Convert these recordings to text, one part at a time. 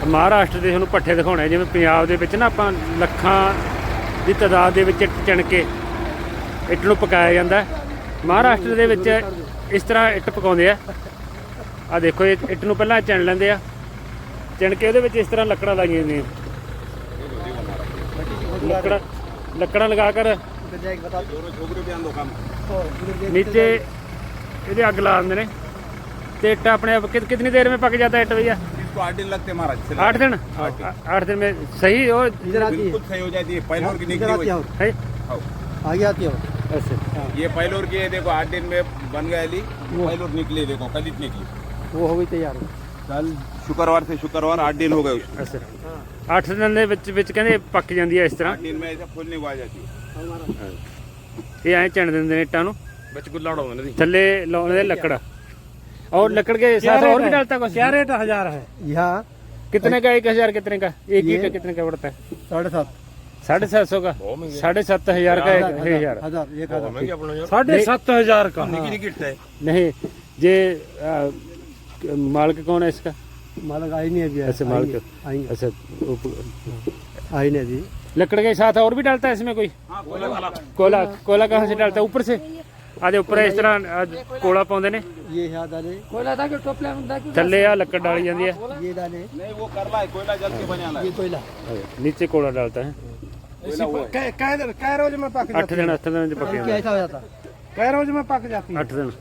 ਮਹਾਰਾਸ਼ਟਰ ਦੇ ਤੁਹਾਨੂੰ ਪੱਠੇ ਦਿਖਾਉਣੇ, ਜਿਵੇਂ ਪੰਜਾਬ ਦੇ ਵਿੱਚ ਨਾ ਆਪਾਂ ਲੱਖਾਂ ਦੀ ਤਾਦਾਦ ਦੇ ਵਿੱਚ ਇੱਟ ਚਿਣ ਕੇ ਇੱਟ ਨੂੰ ਪਕਾਇਆ ਜਾਂਦਾ। ਮਹਾਰਾਸ਼ਟਰ ਦੇ ਵਿੱਚ ਇਸ ਤਰ੍ਹਾਂ ਇੱਟ ਪਕਾਉਂਦੇ ਆ। ਆਹ ਦੇਖੋ, ਇਹ ਇੱਟ ਨੂੰ ਪਹਿਲਾਂ ਚਿਣ ਲੈਂਦੇ ਆ, ਚਿਣ ਕੇ ਉਹਦੇ ਵਿੱਚ ਇਸ ਤਰ੍ਹਾਂ ਲੱਕੜਾਂ ਲਾਈਆਂ ਜਾਂਦੀਆਂ। ਲੱਕੜਾਂ ਲਗਾ ਕਰ नीचे ये अग ला देंगे तो इट्टा अपने आप कितनी देर में पक जाता है इट्ट भैया? 8 दिन लगते हैं महाराज। 8 दिन? 8 दिन में सही हो बिल्कुल सही हो जाती है। पैलोर की निकली है आगे आती हो ऐसे। ये पैलोर की है, देखो 8 दिन में बन गया ली। पैलोर निकली, देखो कल निकली, वो हो गई तैयार। कल शुक्रवार से शुक्रवार 8 दिन हो गए उसमें। अच्छा 8 दिन ਦੇ ਵਿੱਚ ਕਹਿੰਦੇ ਪੱਕ ਜਾਂਦੀ ਹੈ ਇਸ ਤਰ੍ਹਾਂ। 8 दिन में ऐसा फूलने को आ जाती है। ਇਹ ਐਂ ਚਿਣ ਦਿੰਦੇ ਨੇ ਇੱਟਾਂ ਨੂੰ, बच गुल्ला उड़ाओ ना थल्ले लाने लकड़। और लकड़ के साथ और भी डालता कुछ? क्या रेट 1000 है यहाँ? कितने का? 1000 कितने का? एक ईंट कितने का पड़ता है? 750 750 का? 7,500 का 1000? 7,500 का नहीं ये मालिक कौन है इसका? मालिक आई नहीं अभी। ऐसे मालिक? अच्छा आई नहीं अभी। लकड़ के साथ और भी डालता है इसमें कोई? कोला? कोला कहाँ से डालता है? ऊपर से? आधे ऊपर इस तरह कोला पाते ने, ये यहाँ डाले कोयला था कि टोपला में था कि थल्ले आ लकड़ डाली जाती है, ये डाले नहीं वो करला है, कोयला जल के बना है। ये कोयला नीचे कोला डालता है। कै रोज में पक 8 दिन 8 दिन पक जाता है। कैसा हो जाता? कै रोज में पक जाती है? 8 दिन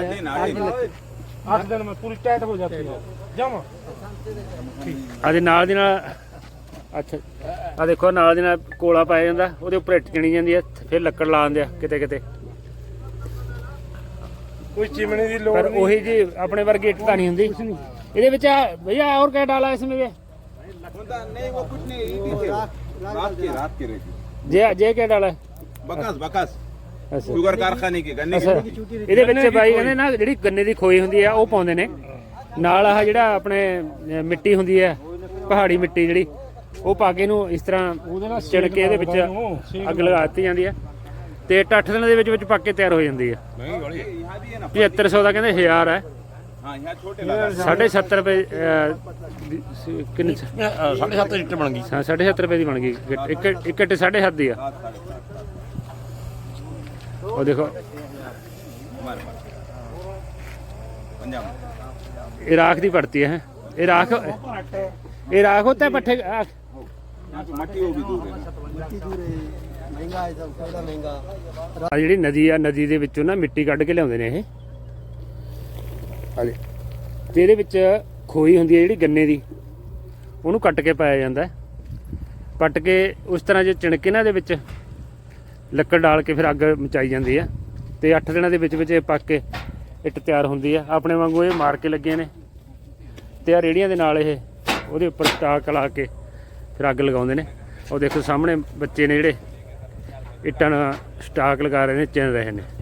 8 दिन में पूरी टाइट हो जाती है जमा। आधे नाल दी नाल। अच्छा आ देखो, नाल दी नाल कोला पाया जाता, ਉਹਦੇ ਉੱਪਰ ਇੱਟ ਚਿਣੀ ਜਾਂਦੀ ਹੈ, ਫਿਰ ਲੱਕੜ ਲਾ ਦਿੰਦੇ ਆ ਕਿਤੇ ਕਿਤੇ। कोई चिमनी दी लोड़ पर वही जी अपने वर्गी इट नहीं होंगी ਇਹਦੇ ਵਿੱਚ। भैया और क्या डाला इसमें? नहीं वो कुछ नहीं, रात के रेती। जे क्या डाला है? बकस बकस अच्छा शुगर कारखाने की गन्ने ਅੱਛਾ ਇਹਦੇ ਵਿੱਚ ਬਾਈ ਕਹਿੰਦੇ ਨਾ ਜਿਹੜੀ ਗੰਨੇ ਦੀ ਖੋਈ ਹੁੰਦੀ ਆ ਉਹ ਪਾਉਂਦੇ ਨੇ ਨਾਲ। ਆਹ ਜਿਹੜਾ ਆਪਣੇ ਮਿੱਟੀ ਹੁੰਦੀ ਹੈ ਪਹਾੜੀ ਮਿੱਟੀ ਜਿਹੜੀ, ਉਹ ਪਾ ਕੇ ਇਹਨੂੰ ਇਸ ਤਰ੍ਹਾਂ ਚਿਣ ਕੇ ਇਹਦੇ ਵਿੱਚ ਅੱਗ ਲਗਾ ਦਿੱਤੀ ਜਾਂਦੀ ਹੈ ਤੇ 8 ਦਿਨਾਂ ਦੇ ਵਿੱਚ ਪੱਕ ਕੇ ਤਿਆਰ ਹੋ ਜਾਂਦੀ ਹੈ। 7500 ਦਾ ਕਹਿੰਦੇ 1000 ਹੈ। हाँ यहाँ छोटे 7.5 ਰੁਪਏ ਕਿੰਨੇ? 7.5 लीटर बन गई। ਹਾਂ 7.5 ਰੁਪਏ ਦੀ ਬਣ ਗਈ ਇੱਕ ਇੱਟ 7.5 ਦੀ ਆ। ਉਹ ਦੇਖੋ पंजाब ये राख दी पड़ती है। ये राख होता है पट्ठे। मट्टी वो भी दूर है। महंगा है सब, कोयला महंगा। ਆ ਜਿਹੜੀ ਨਦੀ ਆ, ਨਦੀ ਦੇ ਵਿੱਚੋਂ ਨਾ ਮਿੱਟੀ ਕੱਢ ਕੇ ਲਿਆਉਂਦੇ ਨੇ ਇਹ ਹਾਲੇ, ਤੇ ਇਹਦੇ ਵਿੱਚ ਖੋਈ ਹੁੰਦੀ ਹੈ ਜਿਹੜੀ ਗੰਨੇ ਦੀ, ਉਹਨੂੰ ਕੱਟ ਕੇ ਪਾਇਆ ਜਾਂਦਾ। ਕੱਟ ਕੇ ਉਸ ਤਰ੍ਹਾਂ ਜੇ ਚਿਣ ਕੇ ਨਾ ਇਹਦੇ ਵਿੱਚ ਲੱਕੜ ਡਾਲ ਕੇ ਫਿਰ ਅੱਗ ਮਚਾਈ ਜਾਂਦੀ ਆ ਤੇ 8 ਦਿਨਾਂ ਦੇ ਵਿੱਚ ਇਹ ਪੱਕ ਕੇ ਇੱਟ ਤਿਆਰ ਹੁੰਦੀ ਆ। ਆਪਣੇ ਵਾਂਗੂ ਇਹ ਮਾਰ ਕੇ ਲੱਗੇ ਨੇ ਤੇ ਆ ਰੇੜੀਆਂ ਦੇ ਨਾਲ ਇਹ ਉਹਦੇ ਉੱਪਰ ਸਟਾਕ ਲਾ ਕੇ ਫਿਰ ਅੱਗ ਲਗਾਉਂਦੇ ਨੇ। ਉਹ ਦੇਖੋ ਸਾਹਮਣੇ ਬੱਚੇ ਨੇ ਜਿਹੜੇ ਇੱਟਾਂ ਨਾਲ ਸਟਾਕ ਲਗਾ ਰਹੇ ਨੇ, ਚਿਣ ਰਹੇ ਨੇ।